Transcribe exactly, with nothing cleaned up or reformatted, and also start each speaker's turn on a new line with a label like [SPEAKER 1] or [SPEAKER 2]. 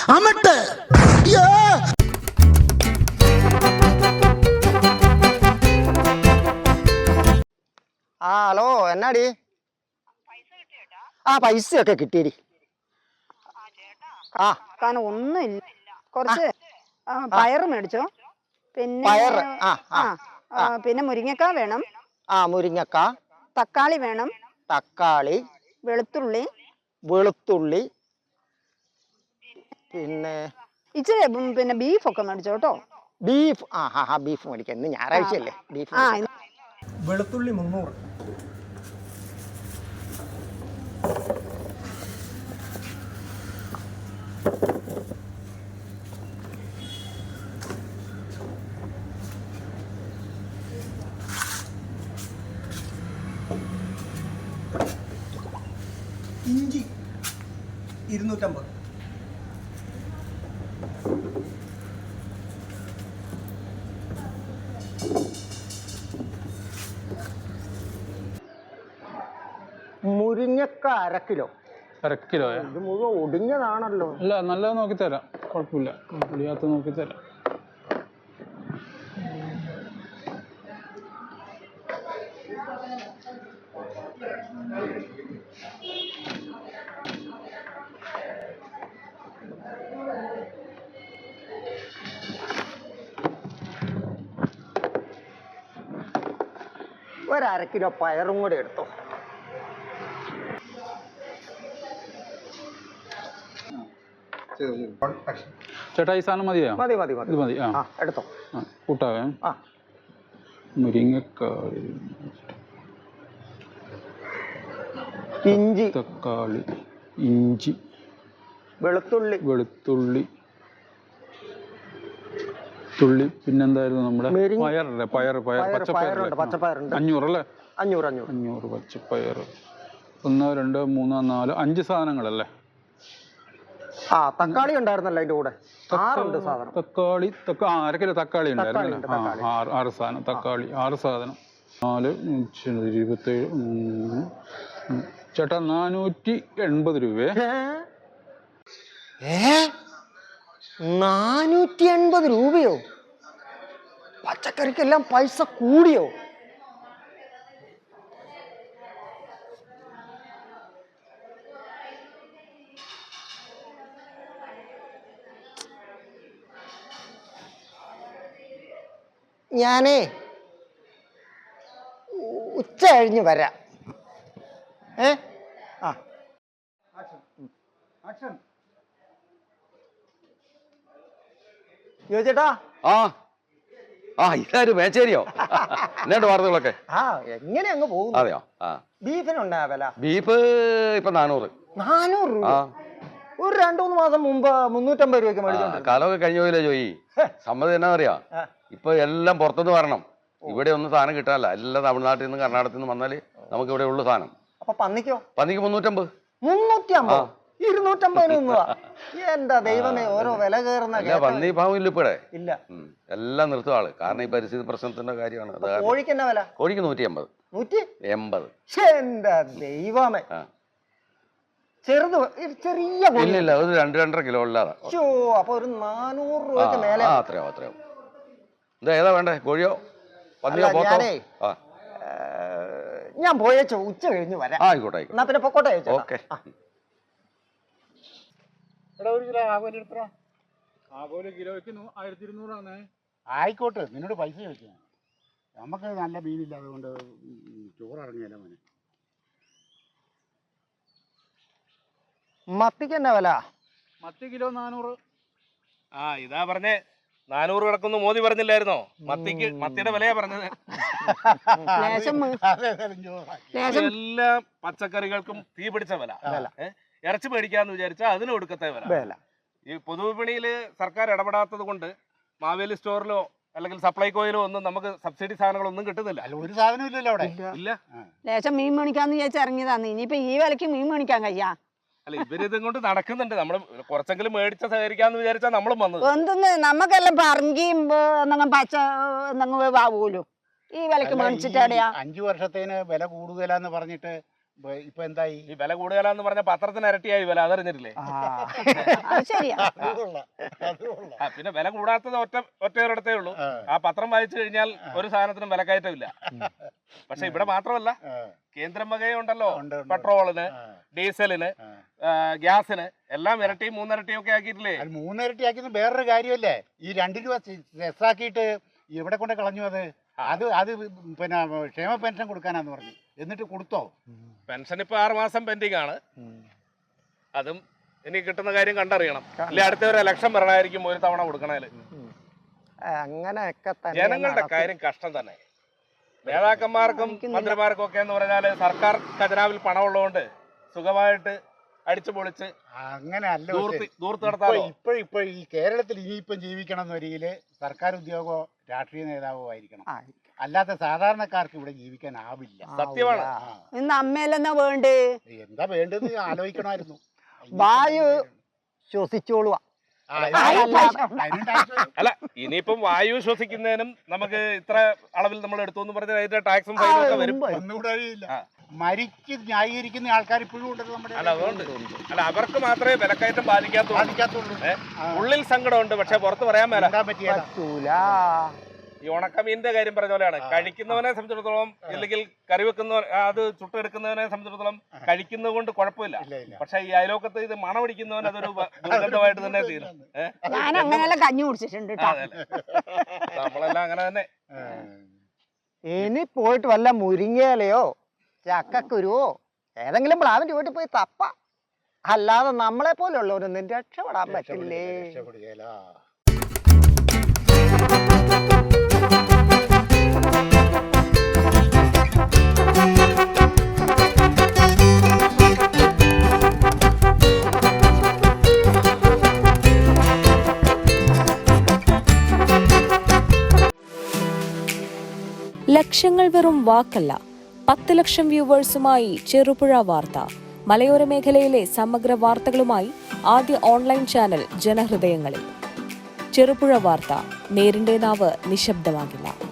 [SPEAKER 1] അമട്ട്.
[SPEAKER 2] ആ ഹലോ എന്നാടി? ആ പൈസയൊക്കെ കിട്ടിയടി. ആ
[SPEAKER 3] കാരണം ഒന്നുമില്ല, കുറച്ച് പയറ് മേടിച്ചോ. പിന്നെ
[SPEAKER 2] പയറ് ആ
[SPEAKER 3] ആ പിന്നെ മുരിങ്ങക്ക വേണം.
[SPEAKER 2] ആ മുരിങ്ങക്ക,
[SPEAKER 3] തക്കാളി വേണം,
[SPEAKER 2] തക്കാളി,
[SPEAKER 3] വെളുത്തുള്ളി,
[SPEAKER 2] വെളുത്തുള്ളി, പിന്നെ
[SPEAKER 3] ഇച്ചിരി പിന്നെ ബീഫൊക്കെ മേടിച്ചോ കേട്ടോ.
[SPEAKER 2] ബീഫ്. ആ ഹാ ഹാ ബീഫ് മേടിക്കാം, ഇന്ന് ഞായറാഴ്ചയല്ലേ. ബീഫ്
[SPEAKER 3] ആ
[SPEAKER 2] വെളുത്തുള്ളി മുന്നൂറ്. ഇഞ്ചി ഇരുന്നൂറ്റമ്പത്. മുരിങ്ങക്ക അര കിലോ.
[SPEAKER 4] അര കിലോ?
[SPEAKER 2] ഇത് മുഴുവൻ ഒടിഞ്ഞതാണല്ലോ.
[SPEAKER 4] അല്ല, നല്ലത് നോക്കി തരാം, കുഴപ്പമില്ല. ഒടിയാത്ത നോക്കി തരാം.
[SPEAKER 2] ഒരര കിലോ പയറും കൂടെ എടുത്തോ.
[SPEAKER 4] ചേട്ടാ ഈ സാധനം മതിയോ?
[SPEAKER 2] മതി മതി മതി
[SPEAKER 4] ഇത് മതി. ആ
[SPEAKER 2] എടുത്തോ.
[SPEAKER 4] ആ കൂട്ടാവേ.
[SPEAKER 2] ആ
[SPEAKER 4] മുരിങ്ങക്കാളി,
[SPEAKER 2] ഇഞ്ചി,
[SPEAKER 4] തക്കാളി, ഇഞ്ചി,
[SPEAKER 2] വെളുത്തുള്ളി,
[SPEAKER 4] വെളുത്തുള്ളി, തുള്ളി, പിന്നെന്തായിരുന്നു നമ്മുടെ പയറല്ലേ? പയർ പയർ പച്ചപ്പയറുണ്ട്.
[SPEAKER 2] പച്ചപ്പയറുണ്ട്.
[SPEAKER 4] അഞ്ഞൂറല്ലേ?
[SPEAKER 2] അഞ്ഞൂറ് അഞ്ഞൂറ്
[SPEAKER 4] അഞ്ഞൂറ് പച്ചപ്പയർ. ഒന്ന് രണ്ട് മൂന്ന് നാല് അഞ്ച് സാധനങ്ങളല്ലേ?
[SPEAKER 2] ആ തക്കാളി ഉണ്ടായിരുന്നല്ലോ അതിന്റെ കൂടെ. ആറുണ്ട് സാധനം.
[SPEAKER 4] തക്കാളി ആ അര കിലോ തക്കാളി ഉണ്ടായിരുന്നു. ആ ആറ് സാധനം തക്കാളി, ആറ് സാധനം. നാല് ഇരുപത്തേഴ്. ചേട്ടാ നാനൂറ്റി എൺപത് രൂപയെ.
[SPEAKER 2] ഏ നാനൂറ്റി എൺപത് രൂപയോ? പച്ചക്കറിക്കെല്ലാം പൈസ കൂടിയോ? ഞാനേ ഉച്ച കഴിഞ്ഞ് വരാം. ഏ ആ ചേട്ടാ.
[SPEAKER 5] ആ ആ ഇതാരും മേച്ചേരിയോ? എന്നാണ്ട് വാർത്തകളൊക്കെ?
[SPEAKER 2] ആ എങ്ങനെ അങ്ങ് പോകും.
[SPEAKER 5] അതെയോ? ആ
[SPEAKER 2] ബീഫിനുണ്ടാ വില?
[SPEAKER 5] ബീഫ് ഇപ്പൊ നാനൂറ്.
[SPEAKER 2] നാനൂറ് രൂപ? ഒരു രണ്ടു മൂന്ന് മാസം മുമ്പ് മുന്നൂറ്റമ്പത് രൂപയ്ക്ക് മേടിച്ചോണ്ട്.
[SPEAKER 5] കാലമൊക്കെ കഴിഞ്ഞ പോയില്ലേ ജോയി? സമ്മതി എന്നാ അറിയാ, ഇപ്പൊ എല്ലാം പുറത്തുനിന്ന് വരണം. ഇവിടെ ഒന്നും സാധനം കിട്ടാനല്ല. എല്ലാം തമിഴ്നാട്ടിൽ നിന്ന് കർണാടകത്തിൽ നിന്ന് വന്നാല് നമുക്ക് ഇവിടെ ഉള്ള സാധനം.
[SPEAKER 2] അപ്പൊ പന്നിക്കോ?
[SPEAKER 5] പന്നിക്ക് മുന്നൂറ്റമ്പത്.
[SPEAKER 2] മുന്നൂറ്റി അമ്പത്? ഇരുന്നൂറ്റമ്പതിന് ഒന്നുവാ? എന്താ ദൈവമേ, ഓരോ വില കയറുന്ന.
[SPEAKER 5] പന്നി ഭാവം ഇല്ല ഇപ്പടെ.
[SPEAKER 2] ഇല്ല,
[SPEAKER 5] എല്ലാം നിർത്തും ആള്. കാരണം ഈ പരിസ്ഥിതി പ്രശ്നത്തിന്റെ കാര്യമാണ്.
[SPEAKER 2] കോഴിക്ക് എന്നാ വില?
[SPEAKER 5] കോഴിക്ക് നൂറ്റി എൺപത്.
[SPEAKER 2] നൂറ്റി
[SPEAKER 5] എൺപത്.
[SPEAKER 2] എന്താ ദൈവമേ. ചെറുത് ചെറിയ
[SPEAKER 5] ഇല്ലില്ല, ഒരു രണ്ട് രണ്ടര കിലോ ഉള്ളതാ.
[SPEAKER 2] അപ്പൊ ഒരു നാനൂറ് രൂപയ്ക്ക് മേലെ.
[SPEAKER 5] അത്രയോ അത്രയോ. എന്താ ഏതാ വേണ്ടേ? കോഴിയോ പന്നിയോ പോത്തോ?
[SPEAKER 2] ഞാൻ പോയേച്ചോ, ഉച്ച കഴിഞ്ഞ് വരാം.
[SPEAKER 5] ആയിക്കോട്ടെ ആയിക്കോട്ടെ.
[SPEAKER 2] എന്നാ പിന്നെ പൊക്കോട്ടെ.
[SPEAKER 5] ഓക്കെ.
[SPEAKER 4] ഒരു കിലോ ആകോലി എടുത്തോ. ആകോലി കിലോയ്ക്ക് ആയിരത്തി ഇരുന്നൂറാണ്.
[SPEAKER 6] ആയിക്കോട്ടെ, നിന്നോട് പൈസ ചോദിക്കാം. നമുക്ക് നല്ല മീനില്ല, അതുകൊണ്ട് ചോറിറങ്ങിയല്ല മോനെ.
[SPEAKER 2] മത്തിക്ക് എന്നാ വില?
[SPEAKER 4] മത്തി കിലോ നാനൂറ്.
[SPEAKER 7] ആ ഇതാ പറഞ്ഞേ, നാനൂറ് കിടക്കുന്നു മോദി പറഞ്ഞില്ലായിരുന്നോ? മത്തിക്ക് മത്തിയുടെ വിലയാ പറഞ്ഞത്. എല്ലാ പച്ചക്കറികൾക്കും തീ പിടിച്ച വില. ഇറച്ചി മേടിക്കാന്ന് വിചാരിച്ചാൽ അതിന് ഒടുക്കത്തെ വില. ഈ പൊതുവിപണിയില് സർക്കാർ ഇടപെടാത്തത് കൊണ്ട് മാവേലി സ്റ്റോറിലോ അല്ലെങ്കിൽ സപ്ലൈകോയിലോ ഒന്നും നമുക്ക് സബ്സിഡി സാധനങ്ങളൊന്നും കിട്ടുന്നില്ല.
[SPEAKER 6] ഒരു സാധനം ഇല്ലല്ലോ അവിടെ.
[SPEAKER 7] ഇല്ല.
[SPEAKER 3] ലേശം മീൻ മേടിക്കാന്ന് വിചാരിച്ച് ഇറങ്ങിയതാന്ന്. ഇനിയിപ്പോ ഈ വിലക്ക് മീൻ മേടിക്കാൻ കഴിയാ?
[SPEAKER 7] അല്ല, ഇവരിതും കൊണ്ട് നടക്കുന്നുണ്ട്. നമ്മള് കുറച്ചെങ്കിലും മേടിച്ച സഹകരിക്കാന്ന് വിചാരിച്ചാ നമ്മളും വന്നത്.
[SPEAKER 3] എന്തെന്ന് നമുക്കെല്ലാം പറങ്കിയും എന്തെങ്കിലും പച്ച എന്തെങ്കിലും ആവുമല്ലോ. ഈ വിലക്ക് മേടിച്ചിട്ടാടെയാ?
[SPEAKER 6] അഞ്ചു വർഷത്തേന് വില കൂടുതലാന്ന് പറഞ്ഞിട്ട് ഇപ്പൊ- ഇപ്പൊ എന്തായി?
[SPEAKER 7] ഈ വില കൂടുതലാന്ന് പറഞ്ഞ പത്രത്തിന് ഇരട്ടിയായി വില, അതറിഞ്ഞിട്ടില്ലേ?
[SPEAKER 2] ആ.
[SPEAKER 3] അത് ശരിയാ.
[SPEAKER 6] അത് കൊള്ളാം, അത് കൊള്ളാം.
[SPEAKER 7] ആ, പിന്നെ വില കൂടാത്തത് ഒറ്റ ഒറ്റയൊരിടത്തേ ഉള്ളൂ.
[SPEAKER 6] ആ,
[SPEAKER 7] ആ പത്രം വായിച്ചു കഴിഞ്ഞാൽ ഒരു സാധനത്തിനും വിലക്കയറ്റമില്ല. പക്ഷെ ഇവിടെ മാത്രമല്ല,
[SPEAKER 6] ആ,
[SPEAKER 7] കേന്ദ്രം വകയുണ്ടല്ലോ,
[SPEAKER 6] ഉണ്ട്, ഉണ്ട്.
[SPEAKER 7] പെട്രോളിന്,
[SPEAKER 6] ആ,
[SPEAKER 7] ഡീസലിന്,
[SPEAKER 6] ആ.
[SPEAKER 7] ആ, ഗ്യാസിന് എല്ലാം ഇരട്ടിയും മൂന്നിരട്ടിയും ഒക്കെ ആക്കിയിട്ടില്ലേ?
[SPEAKER 6] അത് മൂന്നിരട്ടി ആക്കിയത് വേറൊരു കാര്യമല്ലേ? ഈ രണ്ട് രൂപ സെസ്സാക്കിയിട്ട് എവിടെ കൊണ്ട് കളഞ്ഞു അത്? അത് അത് പിന്നെ ക്ഷേമ പെൻഷൻ കൊടുക്കാനാന്ന് പറഞ്ഞു. എന്നിട്ട് കൊടുത്തോ?
[SPEAKER 7] പെൻഷൻ ഇപ്പൊ ആറ് മാസം പെൻഡിങ് ആണ്. അതും ഇനി കിട്ടുന്ന കാര്യം കണ്ടറിയണം. ഇല്ല അടുത്ത ഒരു ഇലക്ഷൻ വരണമായിരിക്കും ഒരു തവണ കൊടുക്കണേല്.
[SPEAKER 2] അങ്ങനെയൊക്കെ തന്നെ
[SPEAKER 7] ജനങ്ങളുടെ
[SPEAKER 2] നടക്കും.
[SPEAKER 7] കാര്യം കഷ്ടം തന്നെ. നേതാക്കന്മാർക്കും മന്ത്രിമാർക്കും ഒക്കെ എന്ന് പറഞ്ഞാല് സർക്കാർ ഖജനാവിൽ പണമുള്ളതുകൊണ്ട് സുഖമായിട്ട് അടിച്ചു പൊളിച്ച്
[SPEAKER 6] അങ്ങനെ അല്ല.
[SPEAKER 7] ദൂർത്ത് ദൂർത്ത് നടത്താമോ?
[SPEAKER 6] ഇപ്പൊ ഇപ്പൊ ഈ കേരളത്തിൽ ഇനിയിപ്പം ജീവിക്കണം എന്ന വരിയില് സർക്കാർ ഉദ്യോഗമോ രാഷ്ട്രീയ നേതാവോ ആയിരിക്കണം.
[SPEAKER 2] ആ,
[SPEAKER 6] അല്ലാത്ത സാധാരണക്കാർക്ക് ഇവിടെ ജീവിക്കാനാവില്ല.
[SPEAKER 7] സത്യമാണ്.
[SPEAKER 6] ആ,
[SPEAKER 3] ഇന്ന് അമ്മയിലെന്നാ വേണ്ടേ?
[SPEAKER 6] എന്താ വേണ്ടത് ആലോചിക്കണമായിരുന്നു.
[SPEAKER 2] വായു ശ്വസിച്ചോളുക.
[SPEAKER 6] ആ, അതിന് അതിന് ടാക്സ് വരും.
[SPEAKER 7] അല്ല, ഇനിയിപ്പം വായു ശ്വസിക്കുന്നതിനും നമുക്ക് ഇത്ര അളവിൽ നമ്മൾ എടുത്തു എന്ന് പറഞ്ഞാൽ അതിന്റെ ടാക്സും ഫൈനും ഒക്കെ വരും.
[SPEAKER 6] ഒന്നുകൂടെ അറിയില്ല.
[SPEAKER 7] ആ.
[SPEAKER 6] മരിച്ച് ന്യായീകരിക്കുന്ന ആൾക്കാർ ഇപ്പോഴും ഉണ്ടല്ലോ നമ്മുടെ.
[SPEAKER 7] അല്ല അതുകൊണ്ട് അല്ല അവർക്ക് മാത്രമേ വിലക്കയറ്റം ബാധിക്കാത്തുള്ളൂ.
[SPEAKER 6] ബാധിക്കാത്തുള്ളൂ.
[SPEAKER 7] ഏ? ഉള്ളിൽ സങ്കടമുണ്ട്, പക്ഷെ പുറത്ത് പറയാൻ മേല.
[SPEAKER 6] എന്താ പറ്റിയതാ?
[SPEAKER 2] പറ്റൂല.
[SPEAKER 7] ഈ ഉണക്കമീനിന്റെ കാര്യം പറഞ്ഞ പോലെയാണ്. കഴിക്കുന്നവനെ സംബന്ധിച്ചിടത്തോളം, അല്ലെങ്കിൽ കറി വെക്കുന്ന അത് ചുട്ടെടുക്കുന്നവനെ സംബന്ധിച്ചിടത്തോളം കഴിക്കുന്നത് കൊണ്ട് കുഴപ്പമില്ല.
[SPEAKER 6] ഇല്ല, ഇല്ല.
[SPEAKER 7] പക്ഷെ ഈ അയലോക്കത്ത് ഇത് മണമടിക്കുന്നവൻ അതൊരു വ- ദുർഗന്ധമായിട്ട് തന്നെ തീരും. ഏഹ്
[SPEAKER 3] ഞാൻ അങ്ങനെയെല്ലാം കഞ്ഞി കുടിച്ചിട്ടുണ്ട് കേട്ടോ.
[SPEAKER 7] നമ്മളെല്ലാം അങ്ങനെ തന്നെ.
[SPEAKER 6] ആ.
[SPEAKER 2] ഇനി പോയിട്ട് വല്ല മുരിങ്ങയിലയോ ചക്കക്കുരുവോ ഏതെങ്കിലും പ്ലാവിന്റെ വീട്ടിൽ പോയി തപ്പ. അല്ലാതെ നമ്മളെ പോലുള്ളവരൊന്നും രക്ഷപ്പെടാൻ പറ്റില്ലേ.
[SPEAKER 6] രക്ഷപ്പെടുകയില്ല.
[SPEAKER 1] ലക്ഷങ്ങൾ വെറും വാക്കല്ല. പത്ത് ലക്ഷം വ്യൂവേഴ്സുമായി ചെറുപുഴ വാർത്ത. മലയോര മേഖലയിലെ സമഗ്ര വാർത്തകളുമായി ആദ്യ ഓൺലൈൻ ചാനൽ ജനഹൃദയങ്ങളിൽ. ചെറുപുഴ വാർത്ത, നേരിന്റെ നാവ് നിശബ്ദമാകില്ല.